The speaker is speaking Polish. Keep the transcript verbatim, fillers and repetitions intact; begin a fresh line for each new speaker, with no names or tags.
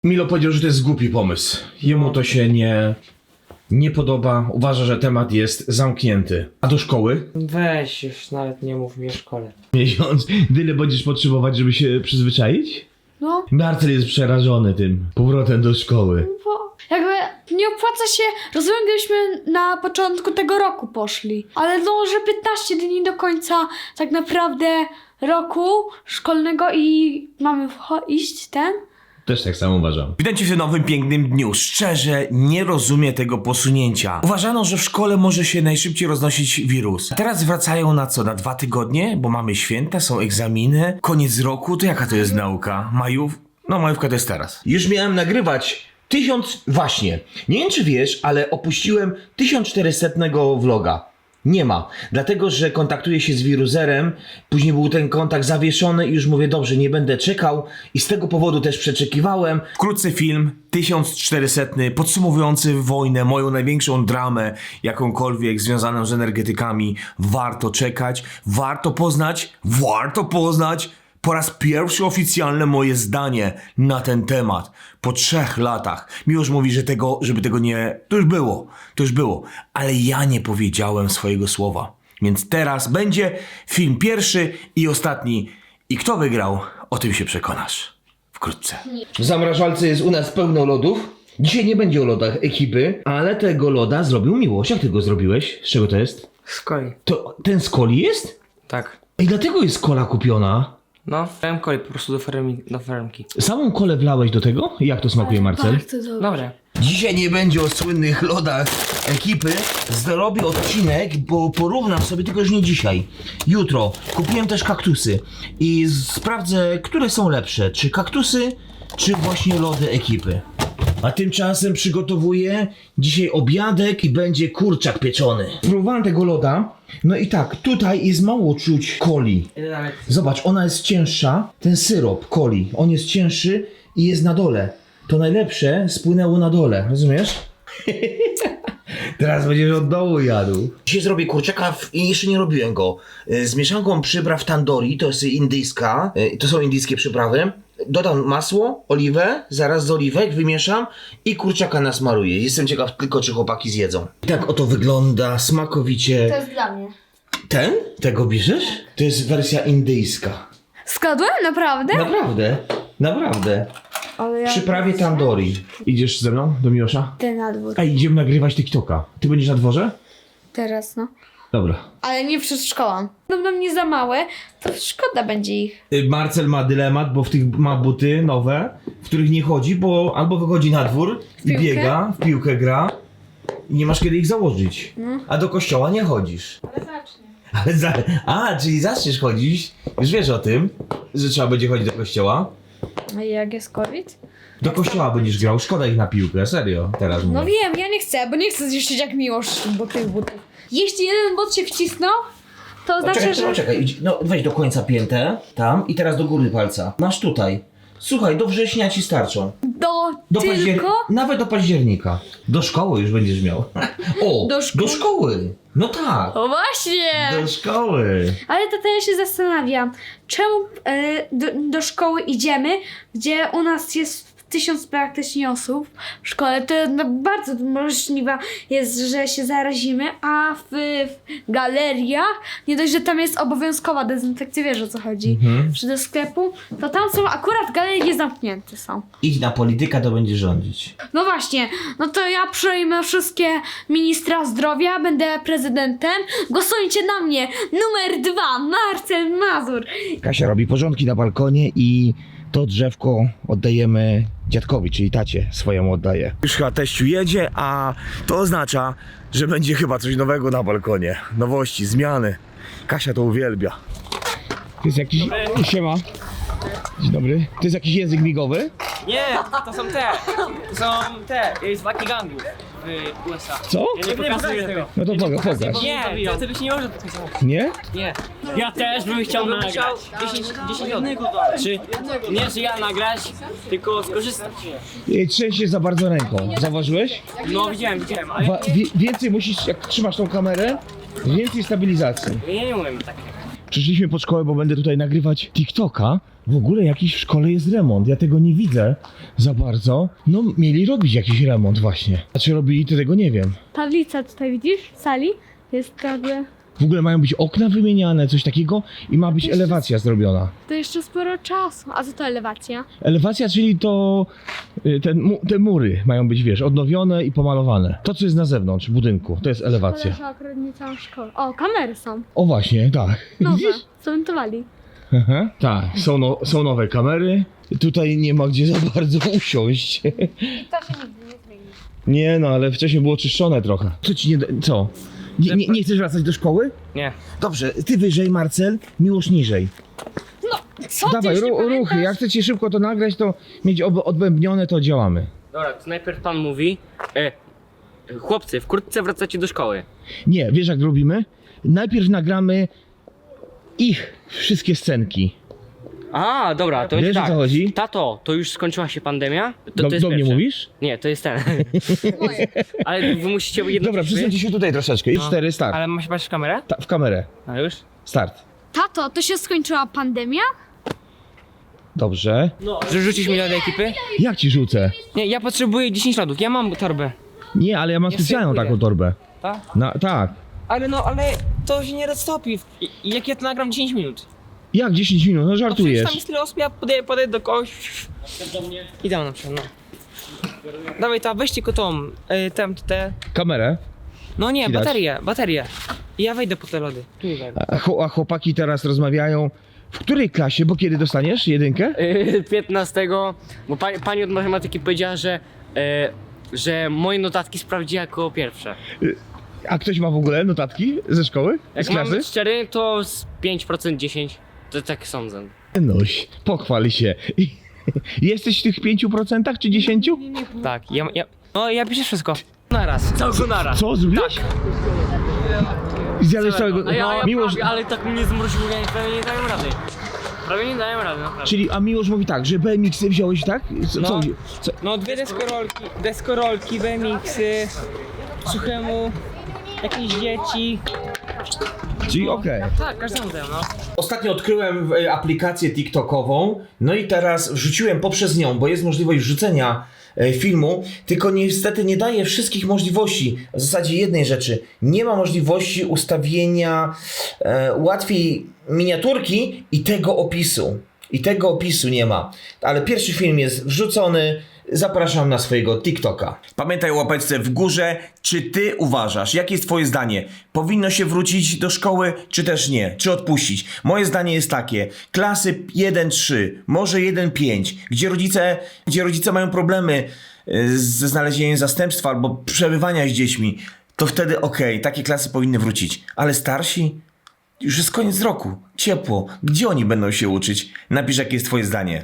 Milo powiedział, że to jest głupi pomysł. Jemu to się nie, nie podoba. Uważa, że temat jest zamknięty. A do szkoły?
Weź już, nawet nie mów mi o szkole.
Miesiąc. Tyle będziesz potrzebować, żeby się przyzwyczaić?
No,
Marcel jest przerażony tym powrotem do szkoły.
bo jakby nie opłaca się, rozumiem, gdybyśmy na początku tego roku poszli, ale no, że piętnaście dni do końca tak naprawdę roku szkolnego i mamy wcho- iść ten?
Też tak samo uważam.
Witajcie w tym nowym pięknym dniu. Szczerze nie rozumiem tego posunięcia. Uważano, że w szkole może się najszybciej roznosić wirus. A teraz wracają na co? Na dwa tygodnie? Bo mamy święta, są egzaminy, koniec roku. To jaka to jest nauka? Majów? No majówka to jest teraz.
Już miałem nagrywać tysiąc... Właśnie. Nie wiem, czy wiesz, ale opuściłem tysiąc czterysta vloga. Nie ma. Dlatego, że kontaktuję się z wiruzerem. Później był ten kontakt zawieszony i już mówię, dobrze, nie będę czekał. I z tego powodu też przeczekiwałem.
Wkrótce film tysiąc czterysta podsumowujący wojnę, moją największą dramę jakąkolwiek związaną z energetykami. Warto czekać, warto poznać, warto poznać po raz pierwszy oficjalne moje zdanie na ten temat. Po trzech latach. Miłosz mówi, że tego, żeby tego nie... To już było. To już było. Ale ja nie powiedziałem swojego słowa. Więc teraz będzie film pierwszy i ostatni. I kto wygrał, o tym się przekonasz. Wkrótce.
W zamrażalce jest u nas pełno lodów. Dzisiaj nie będzie o lodach ekipy, ale tego loda zrobił Miłosz. Jak ty go zrobiłeś? Z czego to jest?
Z coli.
To ten z coli jest?
Tak.
I dlatego jest kola kupiona.
No, dałem coli po prostu do, fermi, do fermki.
Samą kolę wlałeś do tego? Jak to smakuje, Marcel?
Tak, to dobrze.
Dobra.
Dzisiaj nie będzie o słynnych lodach ekipy. Zrobię odcinek, bo porównam sobie, tylko już nie dzisiaj. Jutro. Kupiłem też kaktusy i sprawdzę, które są lepsze. Czy kaktusy, czy właśnie lody ekipy. A tymczasem przygotowuję dzisiaj obiadek i będzie kurczak pieczony. Próbowałem tego loda. No i tak, tutaj jest mało czuć coli.
Nawet...
Zobacz, ona jest cięższa. Ten syrop coli, on jest cięższy i jest na dole. To najlepsze spłynęło na dole, rozumiesz? Teraz będziesz od dołu jadł. Dzisiaj zrobię kurczaka w... i jeszcze nie robiłem go. Z mieszanką przypraw tandoori, to jest indyjska, to są indyjskie przyprawy. Dodam masło, oliwę, zaraz z oliwek wymieszam i kurczaka nasmaruję. Jestem ciekaw tylko, czy chłopaki zjedzą. I tak oto wygląda smakowicie.
To jest dla mnie.
Ten? Tego bierzesz? To jest wersja indyjska.
Składłem? Naprawdę?
Naprawdę, naprawdę.
Ale ja...
Przyprawie tandoori. Idziesz ze mną do Miłosza?
Ty na dwór.
A idziemy nagrywać TikToka. Ty będziesz na dworze?
Teraz, no.
Dobra.
Ale nie przed szkołą. Będą mnie za małe, to szkoda będzie ich.
Y, Marcel ma dylemat, bo w tych ma buty nowe, w których nie chodzi, bo albo wychodzi na dwór i
piłkę?
biega, w piłkę gra i nie masz kiedy ich założyć.
No.
A do kościoła nie chodzisz.
Ale zacznie.
Ale za... A, czyli zaczniesz chodzić. Już wiesz o tym, że trzeba będzie chodzić do kościoła.
A jak jest COVID?
Do kościoła będziesz grał, szkoda ich na piłkę, serio, teraz mówię.
No wiem, ja nie chcę, bo nie chcę zniszczyć jak miłość bo tych butów. Jeśli jeden but się wcisnął, to
No,
znaczy,
czekaj,
że...
czekaj, czekaj, idź, no weź do końca piętę, tam i teraz do góry palca. Masz tutaj. Słuchaj, do września ci starczą.
Do,
Do
tylko...
paździer... Nawet do października. Do szkoły już będziesz miał. O,
Do szkoły?
do szkoły. No tak,
O właśnie!
do szkoły.
Ale to ja się zastanawiam, czemu e, do, do szkoły idziemy, gdzie u nas jest tysiąc praktycznie osób w szkole, to no, bardzo możliwe jest, że się zarazimy, a w, w galeriach, nie dość, że tam jest obowiązkowa dezynfekcja, wiesz o co chodzi,
Mhm.
czy do sklepu, to tam są akurat galerie zamknięte są.
Idź na polityka, to będzie rządzić.
No właśnie, no to ja przejmę wszystkie ministra zdrowia, będę prezydentem, głosujcie na mnie, numer dwa, Marcel Mazur.
Kasia robi porządki na balkonie i to drzewko oddajemy dziadkowi, czyli tacie swojemu oddaje.
Już chyba teściu jedzie, a to oznacza, że będzie chyba coś nowego na balkonie. Nowości, zmiany. Kasia to uwielbia.
To jest jakiś... Siema. Dzień dobry. To jest jakiś język migowy?
Nie, to są te, to są te, jest walki gangów w U S A.
Co?
Ja nie pokazuję tego.
No to poga- pokaż.
Nie, to, to byś nie może pokazać.
Nie?
Nie. Ja też bym chciał nagrać. dziesięć, dziesięć odnych. Czy nie, że ja nagrać, tylko skorzystać.
Ej, trzęsie za bardzo ręką. Zauważyłeś?
No widziałem, widziałem, ale
Wa- wie- więcej musisz, jak trzymasz tą kamerę, więcej stabilizacji.
ja nie umiem tak.
Przyszliśmy pod szkołę, bo będę tutaj nagrywać TikToka. W ogóle jakiś w szkole jest remont, ja tego nie widzę za bardzo. No, mieli robić jakiś remont właśnie. A czy robili, to tego nie wiem.
Tablica tutaj widzisz w sali jest jakby...
W ogóle mają być okna wymieniane, coś takiego i ma być
Jeszcze-
elewacja zrobiona.
To jeszcze sporo czasu. A co to elewacja?
Elewacja, czyli to y, ten, mu, te mury mają być, wiesz, odnowione i pomalowane. To, co jest na zewnątrz budynku, to jest elewacja.
Koleża akurat nie całą szkołę. O, kamery są.
O właśnie, tak.
Nowe.
Widzisz?
Zamontowali.
Aha, tak, są, no, są nowe kamery. Tutaj nie ma gdzie za bardzo usiąść.
To się nigdy nie zmieni.
Nie no, ale wcześniej było czyszczone trochę. Co ci nie... da- co? Nie, nie, nie chcesz wracać do szkoły?
Nie.
Dobrze, ty wyżej, Marcel, Miłosz niżej.
Co
Dawaj,
ty już nie
ru, ruchy,
pamiętasz?
jak chcecie szybko to nagrać, to mieć ob, odbębnione, to działamy.
Dobra, to najpierw pan mówi. E, chłopcy, wkrótce wracacie do szkoły.
Nie, wiesz jak robimy? Najpierw nagramy ich wszystkie scenki.
A, dobra, to
Wiesz,
jest
o
tak.
co chodzi?
Tato, to już skończyła się pandemia? To,
Do,
to jest
do mnie
pierwsze.
mówisz?
Nie, to jest ten. Ale wy musicie jedno.
Dobra, przesuńcie się tutaj troszeczkę. I
No.
cztery, start.
Ale masz patrzeć w kamerę?
Ta, w kamerę.
A już?
Start.
Tato, to się skończyła pandemia?
Dobrze.
Że rzucisz mi lody ekipy?
Jak ci rzucę?
Nie, ja potrzebuję dziesięć lodów, ja mam torbę.
Nie, ale ja mam
Ja
specjalną
sobie
taką
pójdę.
torbę.
Tak?
Na, tak.
Ale no, ale to się nie roztopi. I, i jak ja to nagram dziesięć minut?
Jak dziesięć minut? No
No przecież
żartujesz.
tam jest tyle osób, ja podejdę, podejdę do kogoś. I dam na przykład, no. Dawaj, ta, weźcie tylko tą, y, tam, te...
Kamerę.
No nie,
Widać.
baterię, baterię. I ja wejdę po te lody. Tu wejdę.
A, chło- a chłopaki teraz rozmawiają. W której klasie? Bo kiedy dostaniesz jedynkę?
Yy, piętnastego, bo pani, pani od matematyki powiedziała, że, e, że moje notatki sprawdzi jako pierwsze.
A ktoś ma w ogóle notatki ze szkoły?
Jak
Z
mam
klasy?
być szczery, to z pięć procent dziesięć. To tak sądzę.
Noś, pochwal się. Jesteś w tych pięciu procentach czy dziesięciu?
Tak, ja, ja... No ja piszę wszystko. Naraz, całego naraz.
Co zrobiłeś? Zjadłeś całego...
A ja, ja
Miłosz...
prawie, ale tak mnie zmroziło, ja prawie nie dają rady. Prawie nie dają rady, naprawdę.
Czyli, a Miłosz mówi tak, że B M X-y wziąłeś, tak? Co,
No.
co, co?
No dwie deskorolki, deskorolki, B M X-y, suchemu, jakieś dzieci.
Czyli okej.
Tak, każdemu dają, no.
Ostatnio odkryłem e, aplikację TikTokową, no i teraz wrzuciłem poprzez nią, bo jest możliwość wrzucenia e, filmu, tylko niestety nie daje wszystkich możliwości, w zasadzie jednej rzeczy, nie ma możliwości ustawienia e, łatwiej miniaturki i tego opisu. I tego opisu nie ma. Ale pierwszy film jest wrzucony. Zapraszam na swojego TikToka. Pamiętaj o łapeczce w górze. Czy ty uważasz, jakie jest twoje zdanie? Powinno się wrócić do szkoły, czy też nie? Czy odpuścić? Moje zdanie jest takie. Klasy jeden trzy, może jeden pięć, gdzie rodzice, gdzie rodzice mają problemy y, ze znalezieniem zastępstwa albo przebywania z dziećmi, to wtedy okej, takie klasy powinny wrócić. Ale starsi? Już jest koniec roku. Ciepło. Gdzie oni będą się uczyć? Napisz, jakie jest twoje zdanie.